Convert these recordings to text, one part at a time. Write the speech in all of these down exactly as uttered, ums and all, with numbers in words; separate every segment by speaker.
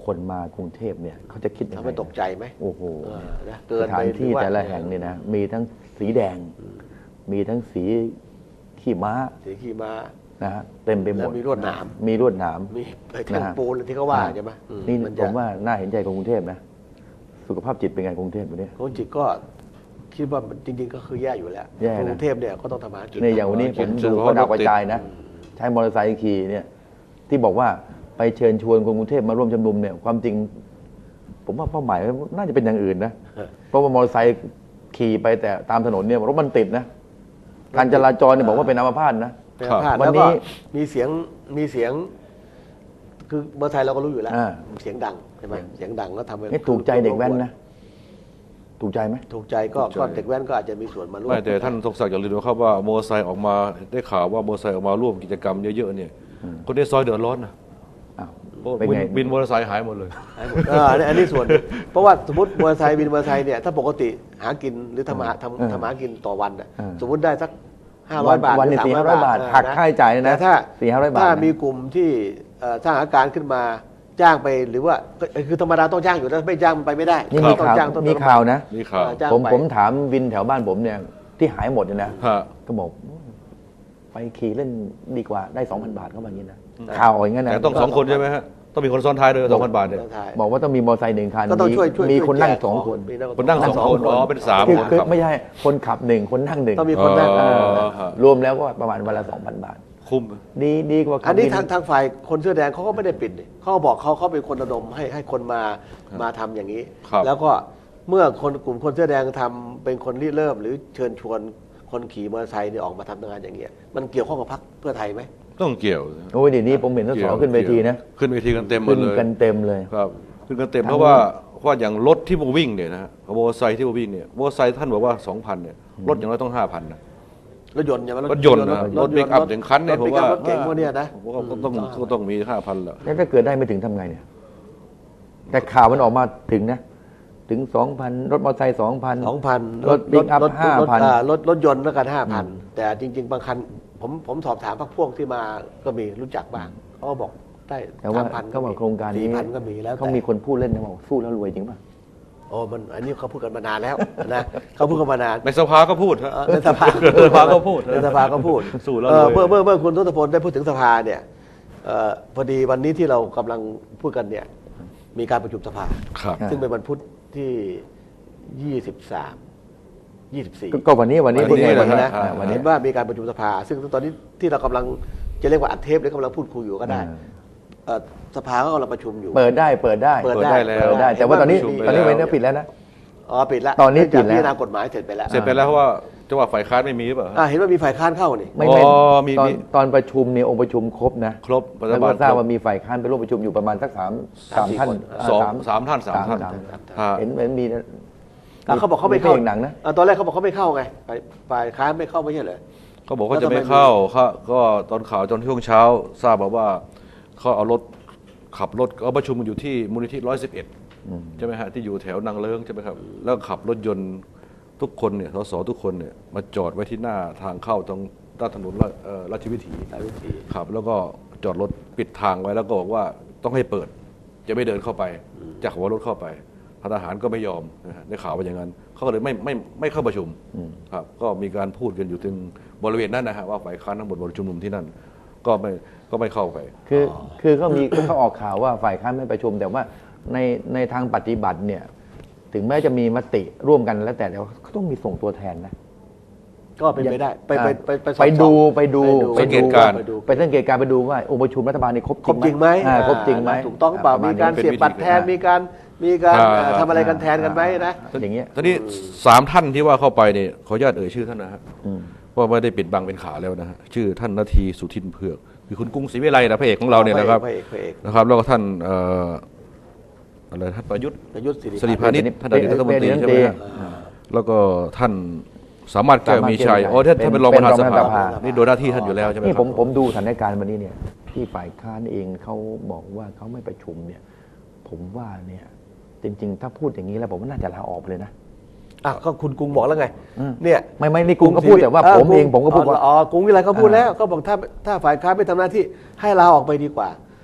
Speaker 1: คนมากรุงเทพเนี่ยเขาจะคิดยังไง
Speaker 2: ทำให้ตกใจไหม
Speaker 1: โอ้โหสถานที่แต่ละแห่งเนี่ยนะมีทั้งสีแดงมีทั้งสีขี้ม้า
Speaker 2: สีขี้ม้า
Speaker 1: นะฮะเต็มไปหมด
Speaker 2: มีลวดหนาม
Speaker 1: มีลวดหนาม
Speaker 2: มีแท่งปูนที่เขาว่าใช่ไหม
Speaker 1: นี่ผมว่าน่าเห็นใจของกรุงเทพนะสุขภาพจิตเป็นไงกรุงเทพวันนี้
Speaker 2: กรุงจิตก็คิดว่าจริงๆก็คือแย่อยู่แล้วกรุงเทพเนี่ยก็ต้องทำมากิน
Speaker 1: เนี่ยอย่างวันนี้ผมดูเขาดาวกระจายนะใช้มอเตอร์ไซค์ขี่เนี่ยที่บอกว่าไปเชิญชวนคนกรุงเทพมาร่วมชุมนุมเนี่ยความจริงผมว่าเป้าหมายน่าจะเป็นอย่างอื่นนะเพราะว่ามอเตอร์ไซค์ขี่ไปแต่ตามถนนเนี่ยรถมันติดนะการจราจรเนี่ยบอกว่าเป็นอัมพาตนะ
Speaker 2: วันนี้มีเสียงมีเสียงคือเบอร์ไทยเราก็รู้อยู่แล้วเสียงดังใช่ไหมเสียงดังก็ทำให้
Speaker 1: ถูกใจเด็กแว้นนะถูกใจไหม
Speaker 2: ถูกใจก็เด็กแว้นก็อาจจะมีส่วนมาร่วม
Speaker 3: ไม่แต่ท่านทรงศักดิ์อย่าลืมนะครับว่ามอเตอร์ไซค์ออกมาได้ข่าวว่ามอเตอร์ไซค์ออกมาร่วมกิจกรรมเยอะๆเนี่ยคนในซอยเดือดร้อนนะบินมอเตอร์ไซค์หายหมดเลย
Speaker 2: อันนี้ส่วนเพราะว่าสมมติมอเตอร์ไซค์บินมอเตอร์ไซค์เนี่ยถ้าปกติหากินหรือทำหาทำทำหากินต่อวันสมมติได้สักห้าร้อยบาท
Speaker 1: วันนี้สี่ห้าร้อยบาทหักค่าใช้จ่ายนะ
Speaker 2: ถ้า
Speaker 1: สี่ห้าร้อยบาท
Speaker 2: ถ้ามีกลุ่มที่สร้างอาการขึ้นมาจ้างไปหรือว่าคือธรรมดาต้องจ้างอยู่แล้วไม่จ้างมันไปไม่ได้
Speaker 1: นี่มีข่าวมีข่าวนะผมผมถามวินแถวบ้านผมเนี่ยที่หายหมดเนี่ยนะก็บอกไปขี่เล่นดีกว่าได้สองพันบาทก็แบบนี้นะข่าวอย่างนั้นนะ
Speaker 3: แต่ต้องสองคนใช่ไหมฮะต้องมีคนซ้อนท้ายด้วยสองพันบาทเนี่ย
Speaker 1: บอกว่าต้องมีมอเตอร์ไซค์หนึ่งคันมีคนนั่งสองคน
Speaker 3: คนนั่งสองคนอ๋อเป็นสามคน
Speaker 1: ไม่ใช่คนขับหนึ่งคนนั่งหนึ่ง
Speaker 2: ต้องมีคนนั่ง
Speaker 1: รวมแล้วก็ประมาณวันละสองพันบาท
Speaker 3: คุ้ม
Speaker 1: ดีดีกว่า
Speaker 2: อันนี้ทางทางฝ่ายคนเสื้อแดงเขาก็ไม่ได้ปิดเขาบอกเขาเขาเป็นคนระดมให้ให้คนมามาทำอย่างนี้แล้วก็เมื่อคนกลุ่มคนเสื้อแดงทำเป็นคนริเริ่มหรือเชิญชวนคนขี่มอเตอร์ไซค์เนี่ยออกมาทำงานอย่างเงี้ยมันเกี่ยวข้องกับพรรคเพื่อไทยไหม
Speaker 3: ต้องเกี่ยว
Speaker 1: โอ้ยเดี๋ยวนี้ผมเห็นทั้งสองขึ้นเวทีนะ
Speaker 3: ขึ้นเวทีกันเต็มหมดเลย
Speaker 1: ขึ้นกันเต็มเลย
Speaker 3: ครับขึ้นกันเต็มเพราะว่าเพราะอย่างรถที่มาวิ่งเนี่ยนะฮะมอเตอร์ไซค์ที่มาวิ่งเนี่ยมอเตอร์ไซค์ท่านบอกว่า สองพัน เนี่ยรถอย่างน้อยต้อง ห้าพัน นะ
Speaker 2: รถยนต์ใช่ไหม
Speaker 3: รถยนต์นะรถเบรกอัพถึงคันเนี่ยผมว่าร
Speaker 2: ถเก่งพวกนี้นะ
Speaker 3: ผมว่าต้องก็ต้องมี ห้าพัน แล้ว
Speaker 1: ถ้าเกิดได้ไม่ถึงทำไงเนี่ยแต่ข่าวมันออกมาถึงนะถึง สองพัน รถมอเตอร์ไซค์ สองพัน
Speaker 2: สองพัน
Speaker 1: รถบิ๊กอัพ ห้าพัน
Speaker 2: รถรถยนต์แล้วกัน ห้าพัน แต่จริงๆบางคันผมผมสอบถามพวกพวกที่มาก็มีรู้จักบ้างเขาบอกได้
Speaker 1: สามพันก็บอกโครงการนี้
Speaker 2: ก็มีแล้ว
Speaker 1: เขามีคนพูดเล่นนะบอกสู้แล้วรวยจริงป่ะ
Speaker 2: โอ้มันอันนี้เขาพูดกันมานานแล้วนะเขาพูดกันมานาน
Speaker 3: ในสภาก็พูด
Speaker 2: ในสภา
Speaker 3: ในสภาก็พูด
Speaker 2: ในสภาก็พูด
Speaker 3: สู้แล้ว
Speaker 2: เมื่อเมื่อเมื่อคุณทศพลได้พูดถึงสภาเนี่ยพอดีวันนี้ที่เรากำลังพูดกันเนี่ยมีการประชุมสภาซึ่งเป็นวันพุธที่ยี่สิบสาม ยี่สิบสี่
Speaker 1: ก็วันนี้วันนี้
Speaker 2: พูดไงวันนี้นะวันนี้ว่ามีการประชุมสภาซึ่งตอนนี้ที่เรากำลังจะเรียกว่าอัดเทปหรือกำลังพูดคุยอยู่ก็ได้สภาก็กำลังประชุมอยู่
Speaker 1: เปิดได้เปิดได้
Speaker 2: เปิดได้
Speaker 1: แล้วเปิดได้แต่ว่าตอนนี้ตอนนี้เว้นปิดแล้วนะ
Speaker 2: อ๋อปิดแล้ว
Speaker 1: ตอนนี้ปิดแล้ว
Speaker 2: พิจารณากฎหมายเสร็จไปแล้ว
Speaker 3: เสร็จไปแล้วเพราะว่าจังหวะฝ่ายค้านไม่มีหรือเปล่า
Speaker 2: เห็นว่ามีฝ่ายค้านเข้านี่
Speaker 1: ไม่ไม่ตอนตอนประชุมเนี่ยองค์ประชุมครบนะ
Speaker 3: ครบ
Speaker 1: แล้วก็ทราบว่ามีฝ่ายค้านไปร่วมประชุมอยู่ประมาณสักสามสามท่าน
Speaker 3: สองสามท่านสามท่าน
Speaker 1: เห็นเหมือนมี
Speaker 2: เขาบอกเขาไม่เข้า
Speaker 1: หนังนะ
Speaker 2: ตอนแรกเขาบอกเขาไม่เข้าไงฝ่ายค้านไม่เข้าไม่ใช่เหรอ
Speaker 3: เขาบอกเขาจะไม่เข้าก็ตอนข่าวตอนช่วงเช้าทราบมาว่าเขาเอารถขับรถเอาประชุมอยู่ที่มูลนิธิร้อยสิบเอ็ดใช่ไหมฮะที่อยู่แถวนางเลิ้งใช่ไหมครับแล้วขับรถยนต์ทุกคนเนี่ยสสทุกคนเนี่ยมาจอดไว้ที่หน้าทางเข้าตรงด้านถนนราชวิถีครับแล้วก็จอดรถปิดทางไว้แล้วก็บอกว่าต้องให้เปิดจะไม่เดินเข้าไปจะขับรถเข้าไปทหารก็ไม่ยอมได้ข่าวว่าอย่างนั้นเขาก็เลยไม่ไม่ไม่เข้าประชุมครับก็มีการพูดกันอยู่ถึงบริเวณนั้นนะฮะว่าฝ่ายค้านทั้งหมดประชุมนุมที่นั่นก็ไม่ก็ไม่เข้าไป
Speaker 1: คือคือเขามีเขาออกข่าวว่าฝ่ายค้านไม่ประชุมแต่ว่าในในทางปฏิบัติเนี่ยถึงแม้จะมีมติร่วมกันแล้วแต่แล้วเขาต้องมีส่งตัวแทนนะ
Speaker 2: ก็เป็นไปได้ไปไปไป
Speaker 1: ไปดูไปดู
Speaker 3: ไปสังเกตการ
Speaker 1: ไปสังเกตการไปดูว่าองค์ประชุมรัฐบาลนี่ครบ
Speaker 2: จริงไหม
Speaker 1: ครบจริงไหม
Speaker 2: ถูกต้องเปล่ามีการเสียบบัตรแทนมีการมีการทำอะไรกันแทนกันไหมนะ
Speaker 1: อย่างเงี้ย
Speaker 3: ทีนี้สามท่านที่ว่าเข้าไปเนี่ยขออนุญาตเอ่ยชื่อท่านนะฮะว่าไม่ได้ปิดบังเป็นขาแล้วนะฮะชื่อท่านนาทีสุทินเผือกคือคุณกรุงศรีวิไลนะพระเอกของเราเนี่ยนะครับนะครับแล้วก็ท่านอะไรท่านประยุทธ์สิริพานิชท่านอดีตรัฐมนตรีใช่ไหมแล้วก็ท่านสามารถแก้วมีชัยอ๋อท่านท่านเป็นรองประธานสภานี่โดยหน้าที่ท่านอยู่แล้วใช่ไหม
Speaker 1: นี่ผมผมดูสถานการณ์วันนี้เนี่ยที่ฝ่ายค้านเองเขาบอกว่าเขาไม่ประชุมเนี่ยผมว่าเนี่ยจริงๆถ้าพูดอย่างนี้แล้วผมว่าน่าจะลาออกเลยนะ
Speaker 2: อ่ะก็คุณกรุงบอกแล้วไงเนี่ย
Speaker 1: ไม่ไม่นี่กรุงก็พูดแต่ว่าผมเองผมก็พูดว่า
Speaker 2: อ๋อกรุงวิไลเขาพูดแล้วก็บอกถ้าถ้าฝ่ายค้านไม่ทำหน้าที่ให้ลาออกไปดีกว่า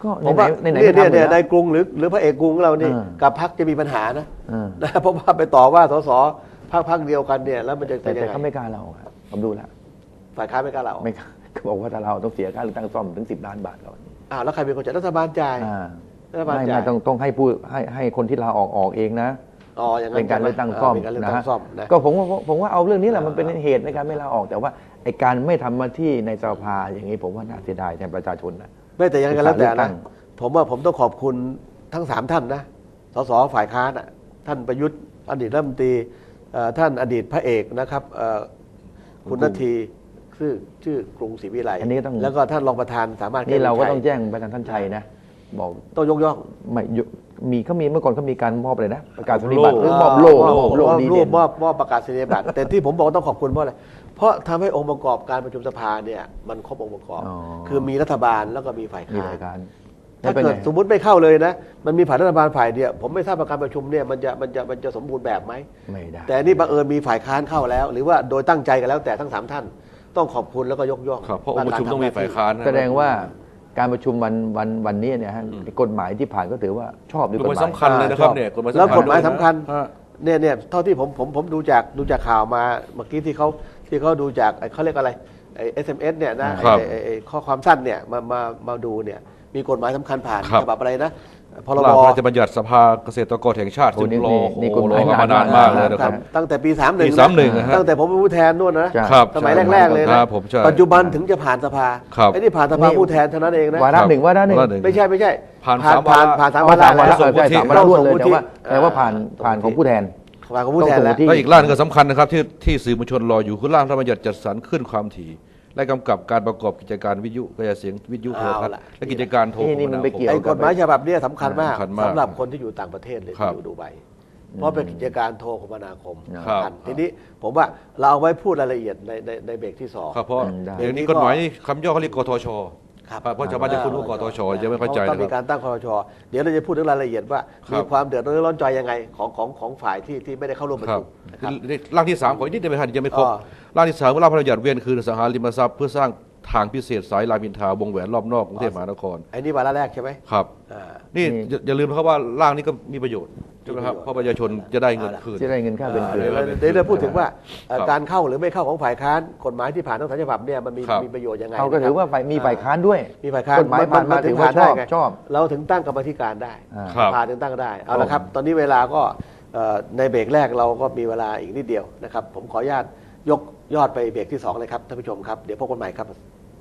Speaker 1: ก็
Speaker 2: ผมว่า
Speaker 1: ไหนๆ
Speaker 2: เนี่ย
Speaker 1: ก็
Speaker 2: เนี่ย
Speaker 1: ทำอยู่
Speaker 2: เนี่ย
Speaker 1: แล้ว
Speaker 2: นายกรุงหรือหรือพระเอกกรุงของเรานี่
Speaker 1: อ่า
Speaker 2: กับพรรคจะมีปัญหานะ
Speaker 1: อ่า
Speaker 2: นะเพราะว่าไปต่อว่าสสพรรคพรรคเดียวกันเนี่ยแล้วมันจะ
Speaker 1: แต่
Speaker 2: เป็นยั
Speaker 1: แต่
Speaker 2: งไง
Speaker 1: เขาไม่กล้าเราครับผมดูแล้ว
Speaker 2: ฝ่ายค้านไม่กล้าเราออก
Speaker 1: ไม่กล้าเขาบอกว่าถ้าเราต้องเสียค่าเลือกตั้งซ่อมถึงสิบล้านบาทก่อน
Speaker 2: อ้าวแล้วใครเป็นคนจ่ายรัฐบาลจ่าย
Speaker 1: อ่า
Speaker 2: รัฐบาล
Speaker 1: ไม่
Speaker 2: จ่า
Speaker 1: ไม่
Speaker 2: ย
Speaker 1: ต้องต้องให้ผู้ให้ให้คนที่ลาออกออกเองนะ
Speaker 2: อ๋ออย่างนั้
Speaker 1: เป็น นการเลือกตั้งซ่อม
Speaker 2: เป็นการเลือก
Speaker 1: นะ
Speaker 2: ตั้
Speaker 1: ฮะ
Speaker 2: งซ่อมนะ
Speaker 1: ก็ผมว่าผมว่าเอาเรื่องนี้แหละมันเป็นเหตุในการไม่ลาออกแต่ว่าไอ้การไม่ทำหน้าที่ในสภาอย่างนี้ผมว่าน่าเสียดายแทนประชาชนนะ
Speaker 2: ไม่แต่ยังไงก็แล้วแต่
Speaker 1: เลือกตั้
Speaker 2: นะ
Speaker 1: ง
Speaker 2: ผมว่าผมต้องขอบคุณทั้งสามท่านนะสสฝ่ายค้านอ่ะท่านประยุทธ์อดีตรัฐมนตรีเอ่อท่านอดีตพระเอกนะครับเอ่อคุณนาทีชื่อชื่อกรุงศรีวิไล
Speaker 1: อันนี้ก็ต้อง
Speaker 2: แล้วก็ท่านรองประธานสามารถ
Speaker 1: นี่เราก็
Speaker 2: แวิชัย
Speaker 1: ต้องแจ้งไปทางท่านชัยนะบอก
Speaker 2: ต้องยกย่อง
Speaker 1: ไม่ยุมีเขามีเมื่อก่อนเขามีการมอบอะไรนะประกาศนียบัตรหรือมอบโล่
Speaker 2: ม
Speaker 1: มอบโล่ดี
Speaker 2: รู
Speaker 1: เด่
Speaker 2: ป
Speaker 1: น
Speaker 2: มอบมอบประกาศนียบัตร แต่ที่ผมบอกว่าต้องขอบคุณเพราะอะไรเพราะทำให้องค์ประกอบการประชุมสภาเนี่ยมันครบองค์ประกอบ
Speaker 1: อ๋อ
Speaker 2: คือมีรัฐบาลแล้วก็มีฝ่าย
Speaker 1: มี
Speaker 2: ค้าน
Speaker 1: รายการ
Speaker 2: ถ้า
Speaker 1: ไม่เป็น
Speaker 2: เกิ
Speaker 1: ไง
Speaker 2: ดสมมติไม่เข้าเลยนะ มันมีฝ่ายรัฐบาลฝ่ายเดียวผมไม่ทราบว่าการประชุมเนี่ยมันจะมันจะมันจะสมบูรณ์แบบไหม
Speaker 1: ไม่ได้
Speaker 2: แต่นี่บังเอิญมีฝ่ายค้านเข้าแล้ว หรือว่าโดยตั้งใจกันแล้วแต่ทั้งสามท่าน ต้องขอบคุณแล้วก็ยกย่อง
Speaker 3: ครับเพราะองค์ประชุมต้องมีฝ่ายค้านนะ
Speaker 1: แสดงว่าการประชุมวันวันวันนี้เนี่ยฮะกฎหมายที่ผ่านก็ถือว่าชอบด้วย
Speaker 3: ก
Speaker 1: ก
Speaker 3: ฎ
Speaker 1: ฎ
Speaker 3: หมาย
Speaker 1: หมาย
Speaker 3: สำคัญเลยนะครับเนี่ย
Speaker 2: แล้วกฎหมายสำคัญ
Speaker 3: ฮะ
Speaker 2: เนี่ยเนี่ยเท่าที่ผมผมผมดูจากดูจากข่าวมาเมื่อกี้ที่เขาที่เขาดูจากไอ้เขาเรียกอะไรไอ้ เอส เอ็ม เอส เนี่ยนะครับ ไอ้ไอ้ไอ้ข้อความสั้นเนี่ยมามามาดูเนี่ยมีกฎหมายสำคัญผ่าน
Speaker 3: ครับ
Speaker 2: ฉบับอะไรนะพรบ
Speaker 3: ร่างพระราชบัญญัติสภาเกษตรกรแห่งชาติ
Speaker 1: โอ้
Speaker 3: ซึ่ง
Speaker 1: นี่
Speaker 3: รอ
Speaker 1: นี่
Speaker 3: โอ้
Speaker 1: นี่
Speaker 3: โห
Speaker 1: กฎหมาย
Speaker 3: รอกันมานานมากเลยนะครับ
Speaker 2: ตั้งแต่ปีสามหนึ่ง
Speaker 3: ปีสามสิบเอ็ดนะฮะ
Speaker 2: ตั้งแต่ผมเป็นผู้แทนนู่นนะ
Speaker 1: ใช่
Speaker 3: ครับ
Speaker 2: สมัยแรกๆเลยนะครับ
Speaker 3: ผมใช่
Speaker 2: ปัจจุบันถึงจะผ่านสภา
Speaker 3: ครับ
Speaker 2: ไอ้นี่ผ่านสภาผู้แทนเท่านั้นเองนะ
Speaker 1: วาระหนึ่งวาระหนึ่ง
Speaker 3: วาระหนึ่ง
Speaker 2: ไม่ใช่ไม่ใช่
Speaker 3: ผ่าน
Speaker 2: ผ่าน
Speaker 3: สามวา
Speaker 2: ผ่าน
Speaker 3: ระ
Speaker 2: ผ่านสาม
Speaker 1: อ๋อ
Speaker 2: วาระ
Speaker 1: สามวาระ
Speaker 2: แล้ว
Speaker 1: เออใช่สามวาระรวดเลยแต่ว่าแต่ว่าผ่าน
Speaker 2: ส่ง
Speaker 1: ผ่านของผู้แทน
Speaker 2: ผ่านของผู้แทนแล้ว
Speaker 1: ต้องส่งที่
Speaker 3: แล้วอีกร่างหนึงก็สำคัญนะครับที่ที่สื่อมวลชนรออยู่คือร่างพระราชบัญญัติจัดสรรขึ้นความถี่ และกำกับการประกอบกิจการวิทยุกระจายเสียงวิทยุโทรทัศน์
Speaker 2: เอาล่ะ
Speaker 3: และกิจการโทร
Speaker 1: นี่นี่มันไปเกี่ยว
Speaker 2: ไอ้กฎหมายฉบับเนี้สำคัญมาก
Speaker 3: สำคัญมาก
Speaker 2: สำหรับคนที่อยู่ต่างประเทศหรือ
Speaker 3: ครั
Speaker 2: ที่
Speaker 3: บ
Speaker 2: อยู่ดูไบเพราะเป็นกิจการโทรคมนาคม
Speaker 3: ครับ
Speaker 2: กันทีนี้ผมว่าเราเอาไว้พูดรายละเอียดในในในเบรกที่สอง
Speaker 3: ครับเพราะ
Speaker 1: อืมได้
Speaker 3: เดี๋ยวนี้กฎหมายนี่คำย่อเขาเรียกกทช
Speaker 2: ครับ
Speaker 3: เพราะชาวบ้านจะคุ้นว่ากทชจะไม่เข้าใจ
Speaker 2: ต้อง
Speaker 3: นะ
Speaker 2: มี
Speaker 3: ค
Speaker 2: กา
Speaker 3: รับ
Speaker 2: รตั้งครชเดี๋ยวเราจะพูดถึงรายละเอียดว่า
Speaker 3: ครับ
Speaker 2: มีความเดือดร้อนร้อนใจยังไงของของของฝ่ายที่ที่ไม่ได้เข้าร่วมประ
Speaker 3: ครับ
Speaker 2: ชุมนะครับ
Speaker 3: ร่างที่สามขออีกนิดเดียวครับยังไม่ครบ
Speaker 2: อ๋อ
Speaker 3: ร่างที่สามร่างพระราชบัญญัติเวียนคืนอสังหาริมทรัพย์เพื่อสร้างทางพิเศษสายรามอินทราวงแหวนรอบนอกกรุงเทพมหานคร
Speaker 2: ไอ้นี่วาระแรกใช่ไหม
Speaker 3: ครับ
Speaker 2: อ่า
Speaker 3: นี่
Speaker 1: นี่
Speaker 3: อย่าอย่าลืมนะครับว่าร่างนี้ก็มีประโยชน์ใช่ไหมครับ
Speaker 2: มีประโยชน์
Speaker 3: เพราะประชาชนจะได้เงินคืน
Speaker 1: จะได้เงินค่าเป็นเกลื
Speaker 2: เดี๋ยว
Speaker 1: อ
Speaker 2: เราเดี๋ยวเราพูดถึงว่าเอ่อ
Speaker 3: ครับ
Speaker 2: การเข้าหรือไม่เข้าของฝ่ายค้านกฎหมายที่ผ่านทั้งสามฉบับเนี่ยมันมี
Speaker 3: ครับ
Speaker 2: มีประโยชน์ยังไง
Speaker 1: เขาก็ถือว่าฝ่ายมีฝ่ายค้านด้วย
Speaker 2: มีฝ่ายค้าน
Speaker 1: กฎหมายผ่านมา
Speaker 2: ถึ
Speaker 1: ถื
Speaker 2: ง
Speaker 1: อว่า
Speaker 2: ผ่าน
Speaker 1: ช
Speaker 2: ได้
Speaker 1: อบ
Speaker 2: ไง
Speaker 1: ชอบ
Speaker 2: เราถึงตั้งกรรมาธิการได้
Speaker 1: อ่า
Speaker 3: ครับ
Speaker 2: ผ่านถึงตั้งได้เอาละครับ ตอนนี้เวลาก็เอ่อในเบรกแรกเราก็มีเวลาอีกนิดเดียวนะครับผมขออนุญาตยกยอดไปเบรกที่สองเลยครับท่านผู้ชมครับเดี๋ยวพบกันใหม่ครับ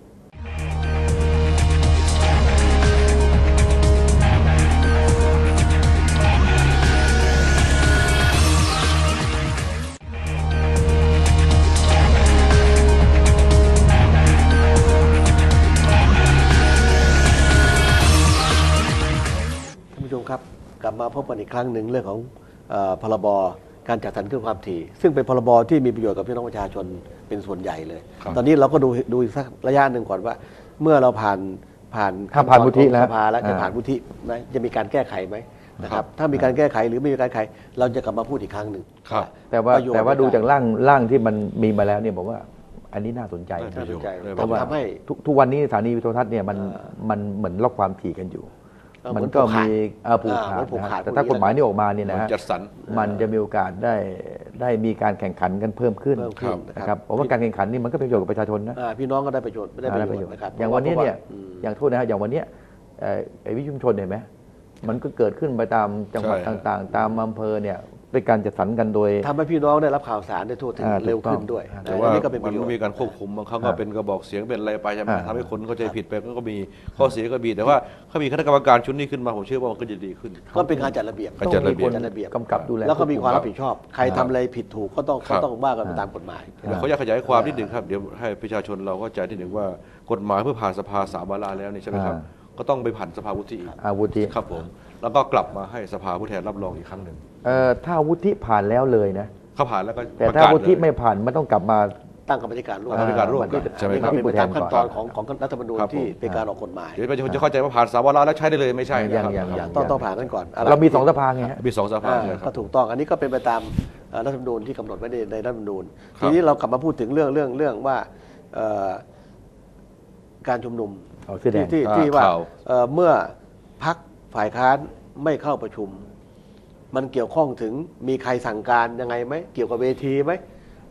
Speaker 2: ท่านผู้ชมครับกลับมาพบกันอีกครั้งหนึ่งเรื่องของเออพรบการจัดสรรคลื่นความถี่ ซึ่งเป็นพรบที่มีประโยชน์กับพี่น้องประชาชนเป็นส่วนใหญ่เลย
Speaker 3: ครับ
Speaker 2: ตอนนี้เราก็ดูดูอีกสักระยะหนึ่งก่อนว่า เมื่อเราผ่านผ่าน
Speaker 1: ถ้าผ่านวุฒิ
Speaker 2: ขั้นตอ
Speaker 1: แล้ว
Speaker 2: ของสภาแล้วจะ
Speaker 1: อ่า
Speaker 2: ผ่านวุฒิไหมจะมีการแก้ไขไหมนะค
Speaker 3: ครั
Speaker 2: รับบ ถ้ามีการแก้ไขหรือไม่มีการแก้ไข เราจะกลับมาพูดอีกครั้งหนึ่ง
Speaker 3: ครับ
Speaker 1: แต่ว่า
Speaker 2: ประโยชน์
Speaker 1: แต่ว่าดูจากร่างร่างที่มันมีมาแล้วเนี่ยผมว่าอันนี้น่าสนใจ
Speaker 3: ได้
Speaker 2: น่าสนใจ
Speaker 3: ได้
Speaker 2: ต้องทำให้
Speaker 1: ทุกทุกวันนี้สถานีวิทยุโทรทัศน์เนี่ยมันมันเหมือนล็อกความถี่กันอยู่
Speaker 2: เออ
Speaker 1: มัน
Speaker 2: เหมือน
Speaker 1: ก็
Speaker 2: ผูกขา
Speaker 1: มี
Speaker 2: ด
Speaker 1: เอ่อผูก
Speaker 2: อ่า
Speaker 1: ขา
Speaker 2: เหมื
Speaker 1: ด
Speaker 2: อนผูก
Speaker 1: นะ
Speaker 2: ขาด
Speaker 1: ฮะแต่ถ้ากฎหมายนี้ออกมาเนี่ยนะฮะ
Speaker 3: จัดสรร
Speaker 1: มันจะมีโอกาสได้ได้มีการแข่งขันกันเพิ่มขึ้น
Speaker 2: เพิ่มขึ้น
Speaker 1: นะ
Speaker 2: นะ
Speaker 1: ค
Speaker 2: ค
Speaker 1: รั
Speaker 2: รั
Speaker 1: บบ ผมว่าการแข่งขันนี่มันก็เป็นประโยชน์กับประชาชนนะ
Speaker 2: อ่าพี่น้องก็ได้ประโยชน์ไม่ได้
Speaker 1: ได้
Speaker 2: ป
Speaker 1: ประ ระ
Speaker 2: โย
Speaker 1: โย
Speaker 2: ช
Speaker 1: ช
Speaker 2: น์
Speaker 1: น์
Speaker 2: นะครับ
Speaker 1: อย่างวันนี้เนี่ย
Speaker 2: อืม
Speaker 1: อย่างโทษนะครับอย่างวันเนี้ยเอ่อไอ้วิทยุชุมชนเห็นไหมมันก็เกิดขึ้นไปตามจังหวัด
Speaker 3: ใช่
Speaker 1: ต่างๆ ตามอำเภอเนี่ยเป็นการจัดสรรกันโดย
Speaker 2: ทำให้พี่น้องได้รับข่าวสารได้ทั่วถึง
Speaker 1: อ่า
Speaker 2: เร็วขึ้น
Speaker 1: ถูกต้อง
Speaker 2: ด้วย
Speaker 1: อ่า
Speaker 3: แต่
Speaker 2: อั
Speaker 3: ว่าน
Speaker 2: นี้ก็เป็นป
Speaker 3: มั
Speaker 2: ระ
Speaker 3: น
Speaker 2: โยช
Speaker 3: ก็
Speaker 2: น์
Speaker 3: มีการควบคุมบางครั้งก็
Speaker 1: อ่า
Speaker 3: เป็นกระบอกเสียงเป็นอะไรไปใช่ไหม
Speaker 1: อ่า
Speaker 3: ทำให้คนเข้าใจผิดไปก็มีข้อเสียก็มีแต่ว่าถ้ามีคณะกรรมการชุดนี้ขึ้นมาผมเชื่อว่ามันก็จะดีขึ้น
Speaker 2: ก็เป็นการจัดระเบียบ
Speaker 3: การจัดระเบียบ
Speaker 2: ต้องมีคนจัดระเบียบ
Speaker 1: กำกับดูแล
Speaker 2: แล้วก็มีความรับ
Speaker 1: ควบคุ
Speaker 2: ผิดชอบ ใครทำอะไรผิดถูกก็ต้อง
Speaker 3: ครั
Speaker 2: ก็
Speaker 3: บ
Speaker 2: ต้องว่ากันไปตามกฎหมาย
Speaker 3: เดี๋ยวเขาอยากขยายความนิดหนึ่งครับเดี๋ยวให้ประชาชนเราเข้าใจนิดหนึ่งว่ากฎหมายเพื่อผ่านสภาสามวาระแล้วนี่ใช่ไหมครับ
Speaker 1: อ่า
Speaker 3: ก็ต้องไปผ่านสภาวุฒิอีก
Speaker 1: อาวุธิ
Speaker 3: ครับผมแล้วก็กลับมาให้สภาผู้แทนรับรองอีกครั้งหนึ่ง
Speaker 1: เอ่อถ้าวุฒิผ่านแล้วเลยนะ
Speaker 3: เขาผ่านแล้วก็
Speaker 1: แต่
Speaker 3: ประ
Speaker 1: ถ้าก
Speaker 3: ศ
Speaker 1: วุฒิ
Speaker 3: เลย
Speaker 1: ไม่ผ่านมันต้องกลับมา
Speaker 2: ตั้งกรรมธิการร่วม
Speaker 3: กรรมธิการร่วม
Speaker 1: มันก็จะ
Speaker 3: ใช่ไหม
Speaker 2: นี่
Speaker 3: ครั
Speaker 2: ก็
Speaker 3: บ
Speaker 2: เป็นไปตามขั้นตอน
Speaker 1: ครับ
Speaker 2: ของของรัฐธรรมนูญ
Speaker 3: ครับผม
Speaker 2: ที่เป็นการออกกฎหมาย
Speaker 3: เดี๋ยวประชาชนจะเข้าใจว่าผ่านสามวาระแล้วใช้ได้เลยไม่ใช่นะ
Speaker 1: ยัง
Speaker 3: ครับ
Speaker 1: ยังยัง
Speaker 2: ต้องต้องผ่านกันก่อนะ
Speaker 1: เรามีสองสภาไงฮะ
Speaker 3: มีสองสภา
Speaker 2: อ่า
Speaker 3: ใช่ค
Speaker 2: ก็
Speaker 3: รับ
Speaker 2: ถูกต้องอันนี้ก็เป็นไปตามเอ่อรัฐธรรมนูญที่กำหนดไว้ในในรัฐธรรมนูญ
Speaker 3: ครับ
Speaker 2: ทีนี้เรากลับมาพูดถึงเรื่องเรื่องเรื่องว่าเอ่อการชุมนุม
Speaker 1: เอาเสื้อแด
Speaker 2: ที่
Speaker 1: ง
Speaker 2: ที่
Speaker 3: อ่า
Speaker 2: ที่ว่า
Speaker 3: ข่าว
Speaker 2: เอ่อเมื่อพักฝ่ายค้านไม่เข้าประชุม มันเกี่ยวข้องถึงมีใครสั่งการยังไงไหมเกี่ยวกับเวทีไหม